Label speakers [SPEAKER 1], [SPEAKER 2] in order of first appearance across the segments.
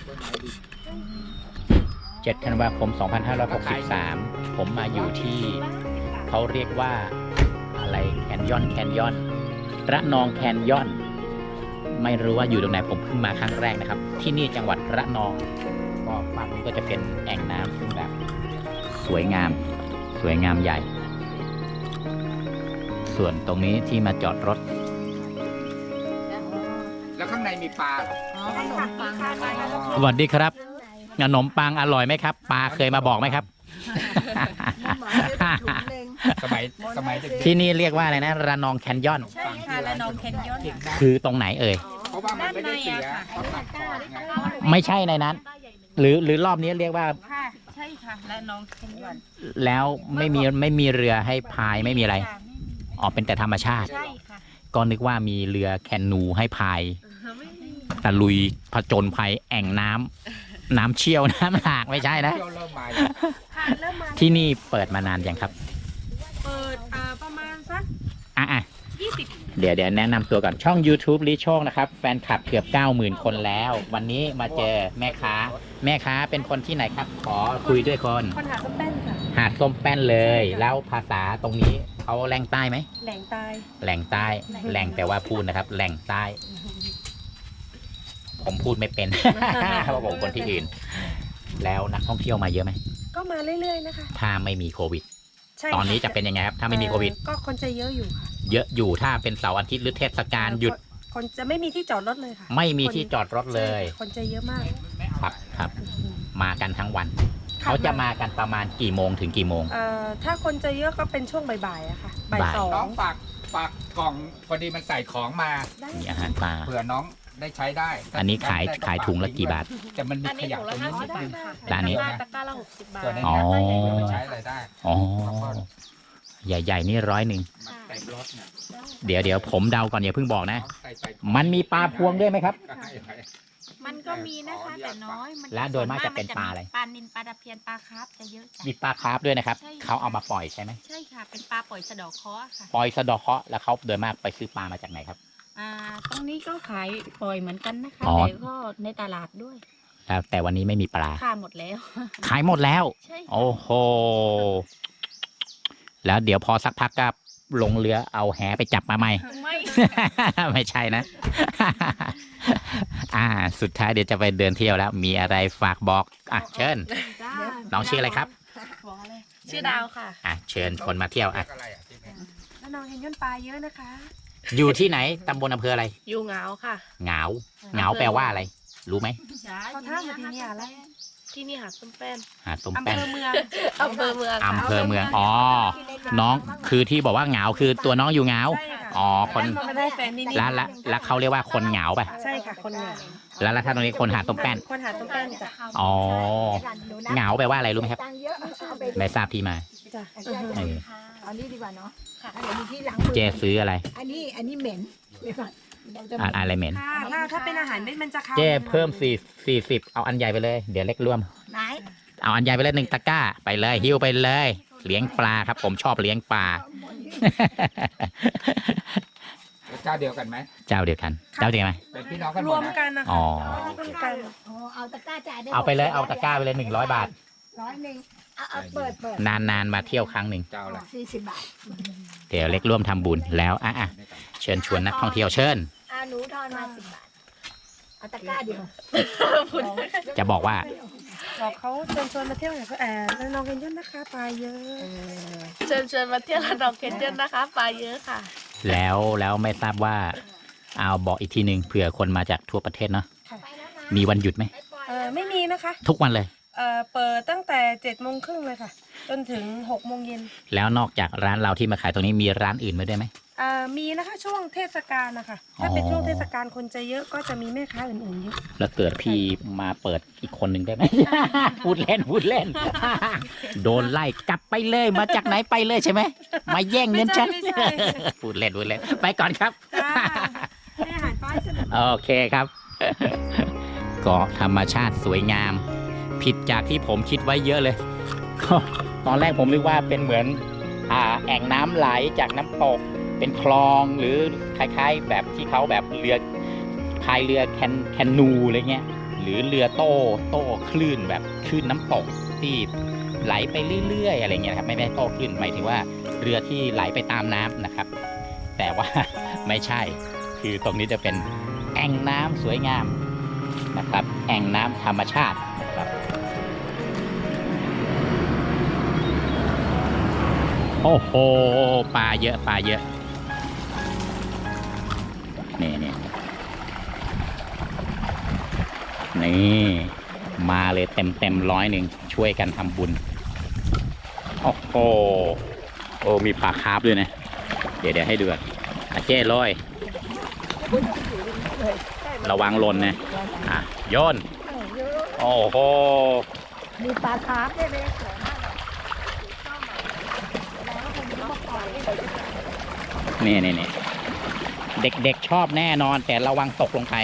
[SPEAKER 1] 7 ธันวาคม 2563 ผมมาอยู่ที่เขาเรียกว่าอะไรแคนยอนระนองแคนยอนไม่รู้ว่าอยู่ตรงไหนผมเพิ่งมาครั้งแรกนะครับที่นี่จังหวัดระนองก็ฝั่งนี้ก็จะเป็นแอ่งน้ำซึ่งแบบสวยงามใหญ่ส่วนตรงนี้ที่มาจอดรถ
[SPEAKER 2] แล้วข้างในมีปลาเหรอ
[SPEAKER 1] สวัสดีครับขนมปังอร่อยไหมครับปลาเคยมาบอกไหมครับ
[SPEAKER 2] สมัยเด็ก
[SPEAKER 1] ที่นี่เรียกว่าอะไรนะระนองแคนยอน
[SPEAKER 3] ใช่ค่ะระนองแคนยอน
[SPEAKER 1] คือตรงไหนเอ่ย
[SPEAKER 2] เพราะว่ามันไม่ได้เสียเขาตัดก่อนไง
[SPEAKER 1] ไม่ใช่ในนั้น หรือรอบนี้เรียกว่า
[SPEAKER 3] ค่ะใช่ค่ะระนองแคนยอน
[SPEAKER 1] แล้วไม่มีเรือให้พายไม่มีอะไรอ๋อเป็นแต่ธรรมชาติ
[SPEAKER 3] ใช่ค่ะ
[SPEAKER 1] ก็นึกว่ามีเรือแคนูให้พายตะลุยผจญภัยแอ่งน้ำเชี่ยวน้ำหลากไม่ใช่นะ
[SPEAKER 2] เที่ยวเริ่มมา
[SPEAKER 3] ค่ะเริ่มมา
[SPEAKER 1] ที่นี่เปิดมานานยังครับ
[SPEAKER 3] เปิดประมาณสัก
[SPEAKER 1] อ่ะ
[SPEAKER 3] 20
[SPEAKER 1] เดี๋ยวแนะนำตัวก่อนช่อง YouTube ลิโชคนะครับแฟนคลับเกือบ 90,000 คนแล้ว วันนี้มาเจอแม่ค้าเป็นคนที่ไหนครับ ขอคุยด้วยคน
[SPEAKER 3] คนหาส้มแป้นค่ะ
[SPEAKER 1] หาดส้มแป้นเลย แล้วภาษาตรงนี้เขาแหล่งใต้ไหม
[SPEAKER 3] แหล่งตาย
[SPEAKER 1] แหล่งใต้แหล่งแต่ว่าพูดนะครับ แหล่งใต้ ผมพูดไม่เป็น เพราะผมคนที่อื่น แล้วนักท่องเที่ยวมาเยอะไหม
[SPEAKER 3] ก็มาเรื่อยๆนะคะ
[SPEAKER 1] ถ้าไม่มีโควิด
[SPEAKER 3] ใช่
[SPEAKER 1] ตอนนี้จะเป็นยังไงครับ ถ้าไม่มีโควิด
[SPEAKER 3] ก็คนจะเยอะอยู่ค่ะ
[SPEAKER 1] เยอะอยู่ถ้าเป็นเสาร์อาทิตย์หรือเทศกาลหยุด
[SPEAKER 3] คนจะไม่มีที่จอดรถเลยค่ะ
[SPEAKER 1] ไม่มีที่จอดรถเลย
[SPEAKER 3] คนจะเยอะมาก
[SPEAKER 1] ครับ มากันทั้งวัน เขาจะมากันประมาณกี่โมงถึงกี่โมง
[SPEAKER 3] ถ้าคนจะเยอะก็เป็นช่วงบ่ายๆอะค่ะบ่าย
[SPEAKER 1] บ่าย
[SPEAKER 3] สอ
[SPEAKER 2] น้อง งฝากกล่องพอดีมันใส่ของมา
[SPEAKER 3] ได้
[SPEAKER 1] มีอาหารปลา
[SPEAKER 2] เผื่อน้องได้ใช้ได้
[SPEAKER 1] อันนี้ขายถุงละกี่บาท
[SPEAKER 2] แต่มันมีขยะตรงนี้นิดนึง
[SPEAKER 1] ร้านนี้
[SPEAKER 3] ตะกร้าละ60 บาท
[SPEAKER 2] ส่วนใน
[SPEAKER 1] อ๋อ
[SPEAKER 2] นี้เดี๋ยวมันใช้อะไรได้
[SPEAKER 1] อ๋อ ใหญ่ๆนี่100
[SPEAKER 2] มันเต็มรถเนี่ย
[SPEAKER 1] เดี๋ยวผมเดาก่อนอย่าเพิ่งบอกนะ
[SPEAKER 2] ใส่
[SPEAKER 1] มันมีปลาพวงด้วยไหมครับ
[SPEAKER 4] มันก็มีนะคะแต่น้อยมัน
[SPEAKER 1] และโดยมากจะเป็นปลาอะไร
[SPEAKER 4] ปลานิลปลาตะเพียนปลาคาร์ฟจะเยอะจ้ะ
[SPEAKER 1] มีปลาคาร์ฟด้วยนะครับ
[SPEAKER 4] ใช่ค่ะ
[SPEAKER 1] เขาเอามาปล่อยใช่ไหม
[SPEAKER 4] ใช่ค่ะเป็นปลาปล่อยสะเดอกเคราะห์ค่ะ
[SPEAKER 1] ปล่อยสะเดาะเคราะห์แล้วเขาโดยมากไปซื้อปลามาจากไหนครับ
[SPEAKER 4] ตรงนี้ก็ขายปล่อยเหมือนกันนะคะ
[SPEAKER 1] อ๋อ
[SPEAKER 4] แต่ก็ในตลาดด้วย
[SPEAKER 1] แต่วันนี้ไม่มีปลา
[SPEAKER 4] ค่าหมดแล้ว
[SPEAKER 1] ขายหมดแล้ว
[SPEAKER 4] ใช่ค่ะ
[SPEAKER 1] โอ้โห แล้วเดี๋ยวพอสักพักก็ลงเรือเอาแหไปจับมาใหม่
[SPEAKER 4] ไม่
[SPEAKER 1] ไม่ใช่นะ สุดท้ายเดี๋ยวจะไปเดินเที่ยวแล้ว มีอะไรฝากบอกเชิญ น้องชื่ออะไรครับ
[SPEAKER 4] ชื่อดาวค่ะ
[SPEAKER 1] เชิญคนมาเที่ยว
[SPEAKER 2] อะไรอ่ะที่นี่
[SPEAKER 3] แล้วน้องเห็นย่นปลาเยอะนะคะ
[SPEAKER 1] อยู่ที่ไหนตำบลอำเภออะไร
[SPEAKER 3] อยู่เหงาค่ะ
[SPEAKER 1] เหงาแปลว่าอะไร รู้ไหม
[SPEAKER 3] เขาท่ามาที่นี่อะไร
[SPEAKER 4] ที่นี่หาดส้มแป้น
[SPEAKER 1] หาดส้ม
[SPEAKER 3] อำ
[SPEAKER 1] แป้
[SPEAKER 3] เภ
[SPEAKER 1] น
[SPEAKER 3] อเมือง
[SPEAKER 4] อำเภอเมือง
[SPEAKER 1] อำเภอเมืองอ๋อน้องคือที่บอกว่าเหงาคือตัวน้องอยู่เหงา
[SPEAKER 3] ใช่ค่ะ
[SPEAKER 1] อ๋อคน
[SPEAKER 3] ไม่ได้แฟนนี่นี่
[SPEAKER 1] แล้วเขาเรียกว่าคนเหงาป่ะ
[SPEAKER 3] ใช่ค่ะคนเหงา
[SPEAKER 1] แล้วถ้าตรงนี้คนหาดส้มแป้น
[SPEAKER 3] คนหาส้มแป้นจ้ะ
[SPEAKER 1] อ๋อเหงาแปลว่าอะไรรู้ไหมครับไม่ทราบที่มา
[SPEAKER 3] จ้ะ
[SPEAKER 1] เออ
[SPEAKER 5] เอานี้ดีกว่าเนาะเดี๋ยวมีที่ล้าง
[SPEAKER 1] เจซื้ออะไร
[SPEAKER 5] อันนี้เหม็นเดี๋ยวก่อนเราจะ
[SPEAKER 1] อะไรเหม็น
[SPEAKER 3] ถ้าเป็นอาหารเม็ดมันจะเข้า
[SPEAKER 1] เจ้เพิ่ม40เอาอันใหญ่ไปเลย เดี๋ยวเล็กร่วม
[SPEAKER 5] ไหน
[SPEAKER 1] เอาอันใหญ่ไปเลย1 ตะกร้า ไปเลยหิ้วไปเลย เลี้ยงปลาครับ ผมชอบเลี้ยงปลา
[SPEAKER 2] เจ้าเดียวกันไหม
[SPEAKER 1] เจ้าเดียวกันไหม
[SPEAKER 2] เป็นพี่น้องกันห
[SPEAKER 3] ร
[SPEAKER 2] ม
[SPEAKER 3] ว
[SPEAKER 2] ด
[SPEAKER 3] ม
[SPEAKER 2] นะ
[SPEAKER 3] กันนะคะ
[SPEAKER 1] อ๋อ
[SPEAKER 3] รวมกัน
[SPEAKER 5] เอาตะกร้าจ่ายได้
[SPEAKER 1] เอาไปเลยเอาตะกร้าไปเลย100 บาท
[SPEAKER 5] 100เอาเปิด
[SPEAKER 1] นานมาเที่ยวครั้งหนึ่ง
[SPEAKER 2] เจ้าละ
[SPEAKER 5] 40 บาท
[SPEAKER 1] เดี๋ยวเล็กร่วมทำบุญแล้วเชิญชวนนักท่องเที่ยวเชิญ
[SPEAKER 5] หนูทอนมา10 บาทเอาตะกร้าเดียว
[SPEAKER 1] จะบอกว่า
[SPEAKER 3] บอกเขาเชิญชวนมาเที่ยวอย่างแล้วน้องเห็นย่นนะคะปลาเยอะ
[SPEAKER 4] เชิญมาเที่ยวระนองแคนยอนนะคะปลาเยอะค่ะ
[SPEAKER 1] แล้วไม่ทราบว่าเอาบอกอีกทีหนึ่งเผื่อคนมาจากทั่วประเทศเนาะมีวันหยุดไหม
[SPEAKER 3] ไม่มีนะคะ
[SPEAKER 1] ทุกวันเลย
[SPEAKER 3] เปิดตั้งแต่7:30เลยค่ะ จนถึง6:00 น.
[SPEAKER 1] แล้วนอกจากร้านเราที่มาขายตรงนี้มีร้านอื่นมาด้วยไหม
[SPEAKER 3] มีนะคะช่วงเทศกาลนะคะถ้าเป็นช่วงเทศกาลคนจะเยอะก็จะมีแม่ค้าอื่นๆเยอะ
[SPEAKER 1] แล้วเกิดพี่มาเปิดอีกคนหนึ่งได้ไหม พูดเล่น โดนไล่กลับไปเลยมาจากไหนไปเลยใช่ไหมมาแย่งเงินฉัน
[SPEAKER 3] ไม่ใช่
[SPEAKER 1] พูดเล่นไปก่อนครับ
[SPEAKER 3] จ้าให้อาหารปลาสนุก
[SPEAKER 1] โอเคครับ เกาะธรรมชาติสวยงาม ผิดจากที่ผมคิดไว้เยอะเลย ตอนแรกผมนึกว่าเป็นเหมือนแอ่งน้ำไหลจากน้ำตก เป็นคลองหรือคล้ายๆ แบบที่เขาแบบเรือพายเรือแคนนูอะไรเงี้ยหรือเรือโต้คลื่นแบบคลื่นน้ำตกที่ไหลไปเรื่อยๆอะไรเงี้ยครับไม่ได้โต้คลื่นหมายถึงว่าเรือที่ไหลไปตามน้ำนะครับ แต่ว่า ไม่ใช่คือตรงนี้จะเป็นแอ่งน้ำสวยงามนะครับแอ่งน้ำธรรมชาตินะครับโอ้โหปลาเยอะปลาเยอะนี่มาเลยเต็ม100ช่วยกันทำบุญโอ้โหโอ้มีปลาคาร์ฟด้วยนะเดี๋ยวให้ดูอ่ะเจ้ลอยระวังหล่นนะโยนโอ้โห
[SPEAKER 5] มีปลาคาร์ฟด้วยไหม
[SPEAKER 1] นี่เด็กๆชอบแน่นอนแต่ระวังตกลงไป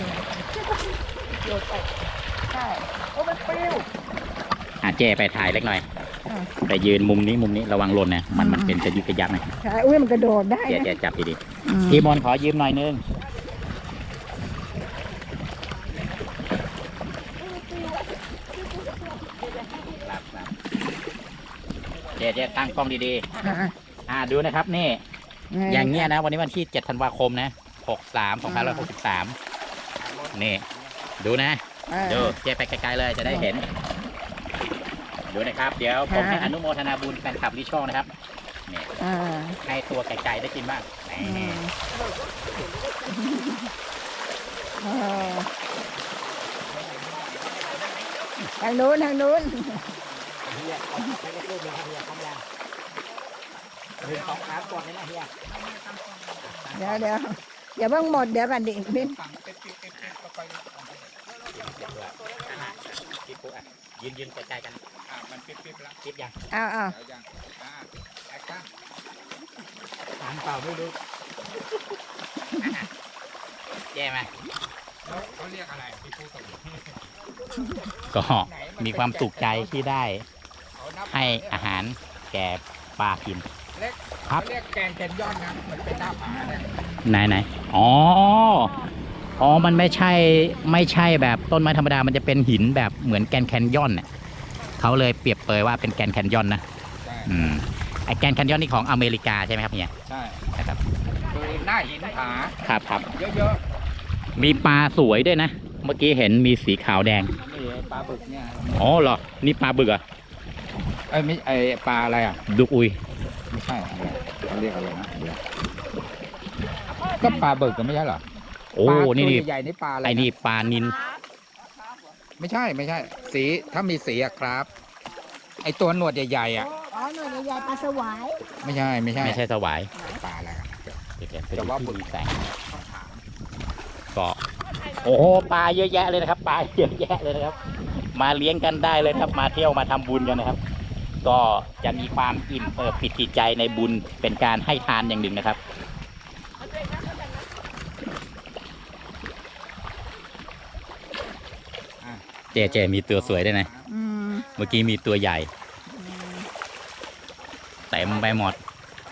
[SPEAKER 5] ใช่โอ้มันปลิว
[SPEAKER 1] เจ้ไปถ่ายเล็กหน่อยไปยืนมุมนี้ระวังหล่นนะมันเป็นจะยึกกระยักนะ
[SPEAKER 5] ใช่อุ้ยมันกระโดดได้
[SPEAKER 1] เดี๋ยวจับดีๆพี่มนขอยืมหน่อยนึงเจ๊ตั้งกล้องดีๆดูนะครับนี่อย่างเงี้ยนะวันนี้วันที่7 ธันวาคมนะ2563นี่ดูนะดูเจ๊ไปไกลๆเลยจะได้เห็นดูนะครับเดี๋ยวผมให้อนุโมทนาบุญแฟนคลับลิช่องนะครับนี่ให้ตัวไก่ๆได้กินบ้างนี่
[SPEAKER 5] ทางนู้นเดี๋ยวเพิ่งหมดเดี๋ยวกันดิพี่
[SPEAKER 1] ยืนไกลๆกัน
[SPEAKER 2] มันปิ๊บๆแล้ว
[SPEAKER 1] คิดยัง
[SPEAKER 5] เอา
[SPEAKER 2] ยังแอคชั่น
[SPEAKER 1] ถามเปล่าไม่รู้แย่ไหม
[SPEAKER 2] เขาเรียกอะไรที่พูดตรงนี้
[SPEAKER 1] ก็มีความสุขใจที่ได้ให้อาหารแก่ปลากินครับ
[SPEAKER 2] เขาเรียกแกงแคนยอนนะมันเป็นหน้าผาเนี่ย
[SPEAKER 1] ไหนอ๋อมันไม่ใช่แบบต้นไม้ธรรมดามันจะเป็นหินแบบเหมือนแกรนด์แคนยอนเนี่ยเขาเลยเปรียบเปรยว่าเป็นแกรนด์แคนยอนนะ
[SPEAKER 2] ใช่
[SPEAKER 1] ไอแกรนด์แคนยอนนี่ของอเมริกาใช่ไหมครับเนี่ย
[SPEAKER 2] ใช่
[SPEAKER 1] นะครับ
[SPEAKER 2] คือหน้าหินผา
[SPEAKER 1] ครับ
[SPEAKER 2] เยอะ
[SPEAKER 1] มีปลาสวยด้วยนะเมื่อกี้เห็นมีสีขาวแดง
[SPEAKER 2] ๆนี่ปลาบึกเนี่ย
[SPEAKER 1] อ๋อเหรอนี่ปลาบึกเหรอ่ะ
[SPEAKER 2] ไม่ปลาอะไรอ่ะ
[SPEAKER 1] ดุกอุย
[SPEAKER 2] ไม่ใช่อะไรเขาเรียกอะไรนะเดี๋ยวก็ปลาบึกก็ไม่ใช่เหรอ
[SPEAKER 1] โอ้
[SPEAKER 2] ปลาตัว
[SPEAKER 1] นี่
[SPEAKER 2] ใหญ่ๆนี่ปลาอะไร
[SPEAKER 1] ไอ้นี่ปลานิน
[SPEAKER 2] ไม่ใช่สีถ้ามีสีอะครับ ไอตัวหนวดใหญ่ๆอ่ะ
[SPEAKER 5] อ๋อหน่วยใหญ่ปลาสวาย
[SPEAKER 2] ไม่ใช่
[SPEAKER 1] ไม่ใช่สวาย
[SPEAKER 2] ปลาอะไรอะ
[SPEAKER 1] เดี๋ยว
[SPEAKER 2] แต่ว่าบึก
[SPEAKER 1] มีแสงก็โอ้โหปลาเยอะแยะเลยนะครับปลาเยอะแยะเลยนะครับ มาเลี้ยงกันได้เลยครับมาเที่ยวมาทำบุญกันนะครับ ก็จะมีความอิ่มปิติใจในบุญเป็นการให้ทานอย่างหนึ่งนะครับเจมีตัวสวยด้วยนะเมื่อกี้มีตัวใหญ่เต็มไปหมด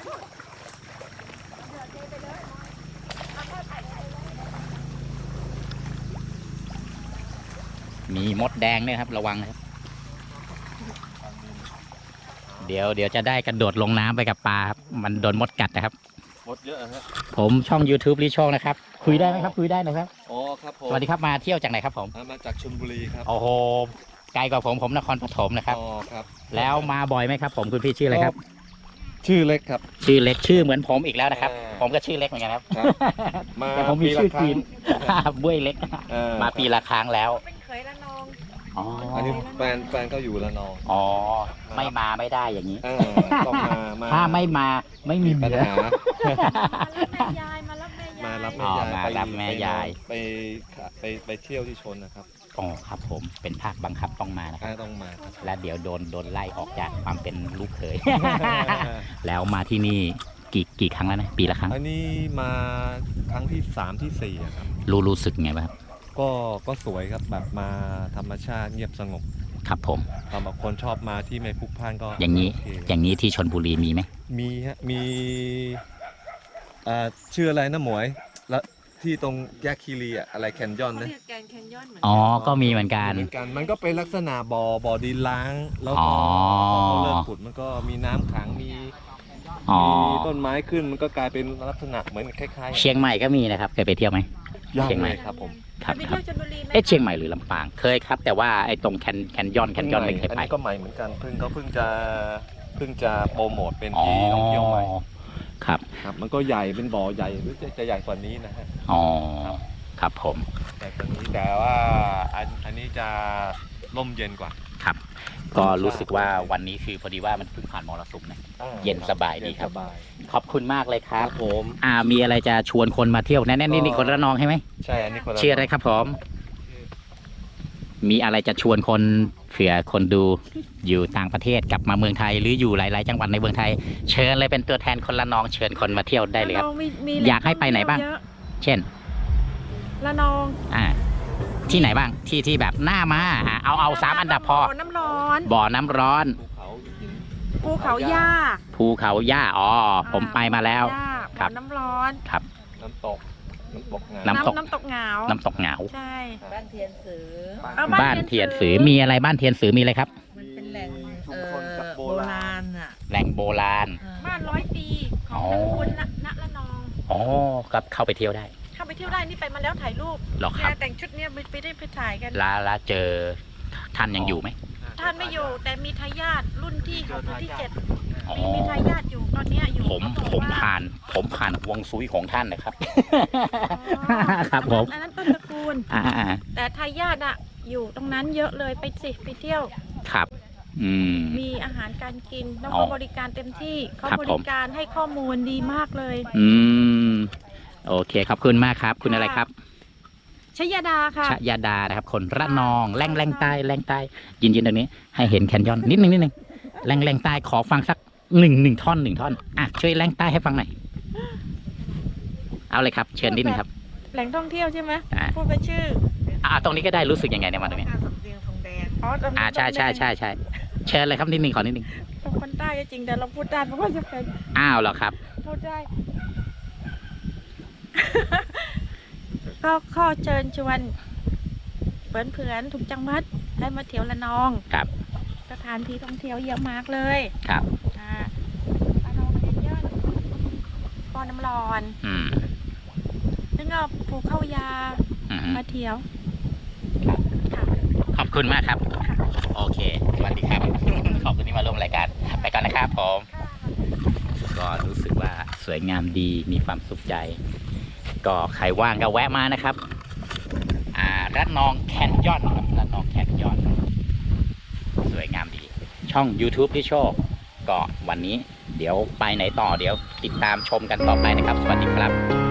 [SPEAKER 1] มีมดแดงด้วยครับระวังนะครับเดี๋ยวจะได้กระโดดลงน้ำไปกับปลาครับมันโดนมดกัดนะครับ
[SPEAKER 6] มดเยอะฮะ
[SPEAKER 1] ผมช่อง YouTube ลิช่องนะครับคุยได้ไหมครับคุยได้นะครับ
[SPEAKER 6] อ๋อครับผม
[SPEAKER 1] สวัสดีครับมาเที่ยวจากไหนครับผม
[SPEAKER 6] มาจากชลบุรีครับ
[SPEAKER 1] โอ้โหไกลกว่าผมนครปฐมนะครับ
[SPEAKER 6] อ๋อครับ
[SPEAKER 1] แล้วมาบ่อยไหมครับผมคุณพี่ชื่ออะไรครับ
[SPEAKER 6] ชื่อเล็กครับ
[SPEAKER 1] ชื่อเล็กชื่อเหมือนผมอีกแล้วนะครับ
[SPEAKER 6] อ่า
[SPEAKER 1] ผมก็ชื่อเล็กเหมือนกันครับ
[SPEAKER 6] ครับมา
[SPEAKER 1] แต่ผมมีชื่อ
[SPEAKER 6] ปีละครั้
[SPEAKER 1] จี
[SPEAKER 6] ง
[SPEAKER 1] น บ้วยเล็ก มาปีละครั้งแล้ว
[SPEAKER 3] เป็นเคยละนอง
[SPEAKER 1] อ๋อ
[SPEAKER 6] อันนี้แฟนก็อยู่ละนอง
[SPEAKER 1] อ๋อไม่มาไม่ได้อย่างนี้
[SPEAKER 6] ต้องมา
[SPEAKER 1] ถ้าไม่มาไม่มี
[SPEAKER 6] ปัญ
[SPEAKER 1] เหลือ
[SPEAKER 6] หา
[SPEAKER 3] มารับแม่ยาย
[SPEAKER 6] มารับ
[SPEAKER 1] อ๋
[SPEAKER 6] แม่าย
[SPEAKER 1] อยมารับแม่ยาย
[SPEAKER 6] ไปเที่ยวที่ชนนะครับ
[SPEAKER 1] อ๋อครับผมเป็นภาคบังคับต้องมานะครับ
[SPEAKER 6] ต้องมาครับ
[SPEAKER 1] และเดี๋ยวโดนไล่ออกจากความเป็นลูกเขย แล้วมาที่นี่กี่ครั้งแล้วนะปีละครั้ง
[SPEAKER 6] อันนี้มาครั้งที่3 ที่ 4อะครับ
[SPEAKER 1] รู้สึกไงบ้างครับ
[SPEAKER 6] ก็สวยครับแบบมาธรรมชาติเงียบสงบ
[SPEAKER 1] ครับผม
[SPEAKER 6] สำหรับคนชอบมาที่ไม่พลุกพล่านก็
[SPEAKER 1] อย่างนี้
[SPEAKER 6] โเค
[SPEAKER 1] อย่างนี้ที่ชลบุรีมีไหม
[SPEAKER 6] มีฮะมีชื่ออะไรนะหมวยละที่ตรงแยกคีรีอะอะไรแคนยอน
[SPEAKER 4] เขา
[SPEAKER 6] นะ
[SPEAKER 4] เรียกแกนแคนยอนเหมือน
[SPEAKER 1] อ๋อ ก็มีเหมือนกัน
[SPEAKER 6] เหมือนกันมันก็เป็นลักษณะบ่อดินล้างแล้ว
[SPEAKER 1] อ๋
[SPEAKER 6] ก็
[SPEAKER 1] อ
[SPEAKER 6] พอเขาเริ่มขุดมันก็มีน้ำขังมี
[SPEAKER 1] อ๋อ
[SPEAKER 6] ต้นไม้ขึ้นมันก็กลายเป็นลักษณะเหมือนคล้ายๆ
[SPEAKER 1] เชียงใหม่ก็มีนะครับ เคยไปเที่ยวไหม
[SPEAKER 6] ย่าง
[SPEAKER 1] เชียงใหม่
[SPEAKER 6] เลยครับผม
[SPEAKER 1] ครับ
[SPEAKER 3] ไป
[SPEAKER 1] ครั
[SPEAKER 3] เที่ย
[SPEAKER 1] บ
[SPEAKER 3] วชลบุรีไหม
[SPEAKER 1] เอ๊ะเชียงใหม่หรือลำปาง เคยครับ แต่ว่าไอ้ตรงแคนยอนไม่เคย
[SPEAKER 6] อัน
[SPEAKER 1] ไป
[SPEAKER 6] นี้ก็ใหม่เหมือนกันเพิ่งจะโปรโมทเป็นที่ท่องเที่ยวใหม่
[SPEAKER 1] ครับ
[SPEAKER 6] ครับมันก็ใหญ่เป็นบ่อใหญ่หรือจะใหญ่กว่านี้นะฮะ
[SPEAKER 1] อ๋อ ครับผม
[SPEAKER 6] ใหญ่กว่านี้แต่ว่าอันนี้จะร่มเย็นกว่า
[SPEAKER 1] ครับ ก็รู้สึกว่าวันนี้คือพอดีว่ามันเพิ่งผ่านมรสุมนะ เย็นสบายดีครับ
[SPEAKER 6] เนสบาย
[SPEAKER 1] ขอบคุณมากเลยค
[SPEAKER 6] ค
[SPEAKER 1] รั
[SPEAKER 6] รับ บผม
[SPEAKER 1] มีอะไรจะชวนคนมาเที่ยวแน่ๆนี่คนระนองใช่ไหม
[SPEAKER 6] ใช่อันนี้คนละ
[SPEAKER 1] ชื่ออะไรครับผม มีอะไรจะชวนคนเผื่อคนดูอยู่ต่างประเทศกลับมาเมืองไทย หรืออยู่หลายๆจังหวัดในเมืองไทย เชิญเลยเป็นตัวแทนคนละนองเชิญคนมาเที่ยวได้เลยครับ
[SPEAKER 3] ะนองมี
[SPEAKER 1] อยากให้ไปไหนบ้าง
[SPEAKER 3] เยอะ
[SPEAKER 1] เช่น
[SPEAKER 3] ละนอง
[SPEAKER 1] ที่ไหนบ้างที่แบบหน้ามาเอา3 อันดับพอ
[SPEAKER 3] บ่น้ำร้อน
[SPEAKER 1] บ่อน้ำร้อน
[SPEAKER 6] ภูเขาหิน
[SPEAKER 3] ภูเขาหญ้า
[SPEAKER 1] ภูเขาหญ้าผมไปมาแล้ว
[SPEAKER 3] หญ้า
[SPEAKER 1] ครั
[SPEAKER 3] บ่อบ น้ำร้อน
[SPEAKER 1] ครับ
[SPEAKER 6] น้ำตกงา
[SPEAKER 1] น้ำตก
[SPEAKER 3] น้ำตกเหงา
[SPEAKER 1] น้ำตกเหงา
[SPEAKER 3] ใช่
[SPEAKER 5] บ้านเทียนสือ
[SPEAKER 3] เอา
[SPEAKER 1] บ้านเทียนสือมีอะไรบ้านเทียนสือมีอะไรครับ
[SPEAKER 5] มันเป็นแหล่ง
[SPEAKER 6] ชุมชนกับโบ
[SPEAKER 5] โบ
[SPEAKER 6] รา
[SPEAKER 5] รา
[SPEAKER 6] ณ
[SPEAKER 5] ณอ่ะ
[SPEAKER 1] แหล่งโบราณ
[SPEAKER 3] บ้าน100 ปีของตระกูลณละนอง
[SPEAKER 1] อ๋อครับเข้าไปเที่ยวได้
[SPEAKER 3] เข้าไปเที่ยวได้นี่ไปมาแล้วถ่ายรูป
[SPEAKER 1] หรอครับ
[SPEAKER 3] แต่งชุดเนี้ยไปได้ไปถ่ายกัน
[SPEAKER 1] แล้วเจอท่านยังอยู่ไหม
[SPEAKER 3] ท่านไม่อยู่แต่มีทายาทรุ่นที่6รุ่นที่7
[SPEAKER 1] อ๋อ
[SPEAKER 3] มีทายาทอยู่ตอนเนี้ยอยู่
[SPEAKER 1] ผม
[SPEAKER 3] เขาบอก
[SPEAKER 1] ผม
[SPEAKER 3] ว่า
[SPEAKER 1] ผ่านฮวงซุยของท่านนะครับ
[SPEAKER 3] อ๋อ
[SPEAKER 1] ครับผม
[SPEAKER 3] อันนั้นต้นตระกูล
[SPEAKER 1] อ่า
[SPEAKER 3] แต่ทายาทอะอยู่ตรงนั้นเยอะเลยไปสิไปเที่ยว
[SPEAKER 1] ครับ
[SPEAKER 3] มีอาหารการกินแล้ว
[SPEAKER 1] อ๋
[SPEAKER 3] ก็
[SPEAKER 1] อ
[SPEAKER 3] บริการเต็มที่เขา
[SPEAKER 1] ครับ
[SPEAKER 3] บ
[SPEAKER 1] ผ
[SPEAKER 3] ริ
[SPEAKER 1] ม
[SPEAKER 3] การให้ข้อมูลดีมากเลย
[SPEAKER 1] โอเคขอบคุณมากครับ คุณอะไรครับ
[SPEAKER 3] ชยดาค่ะ
[SPEAKER 1] ชยดานะครับ คนระนองแรงใต้แรงใต้ยินตรงนี้ ให้เห็นแคนยอนนิดนึงแรงใต้ขอฟังสักหนึ่งท่อนช่วยแรงใต้ให้ฟังหน่อยเอาเลยครับ เชิญนิดนึงครับ
[SPEAKER 3] แหล่งท่องเที่ยวใช่ไหม
[SPEAKER 1] อ่า
[SPEAKER 3] พูดไปชื่อ
[SPEAKER 1] ตรงนี้ก็ได้รู้สึกยังไงเนี่ยมาตรงนี้
[SPEAKER 5] สำเนียงทองแดง
[SPEAKER 3] อ๋อตรงนี้
[SPEAKER 1] ใช่เชิญเลยครับนิดนึงขอนิดนึง
[SPEAKER 3] เป็นคนใต้ก็จริงแต่เราพูดได้เพราะว่าจะเป็น
[SPEAKER 1] อ้าวเหรอครับ
[SPEAKER 3] พูดได้ ก็ข้อเชิญชวนเพื่อนๆทุกจังหวัดให้มาเที่ยวละนอง
[SPEAKER 1] ครับ
[SPEAKER 3] สถานที่ท่องเที่ยวเยอะมากเลย
[SPEAKER 1] ครับ
[SPEAKER 3] ละนองเยอะๆบ่อน้ำร้อน
[SPEAKER 1] อืม
[SPEAKER 3] แล้วก็ภูเข้ายา
[SPEAKER 1] อืม
[SPEAKER 3] มาเที่ยว
[SPEAKER 1] ครับ
[SPEAKER 3] ค่ะ
[SPEAKER 1] ขอบคุณมากครับ
[SPEAKER 3] ค่ะ
[SPEAKER 1] โอเคสวัสดีครับ ขอบคุณที่มาร่วมรายการไปก่อนนะครับผมก็รู้สึกว่าสวยงามดีมีความสุขใจ ก็ใครว่างก็แวะมานะครับระนองแคนยอนครับระนองแคนยอนสวยงามดี ช่อง YouTube พี่โชคก็วันนี้เดี๋ยวไปไหนต่อเดี๋ยวติดตามชมกันต่อไปนะครับ สวัสดีครับ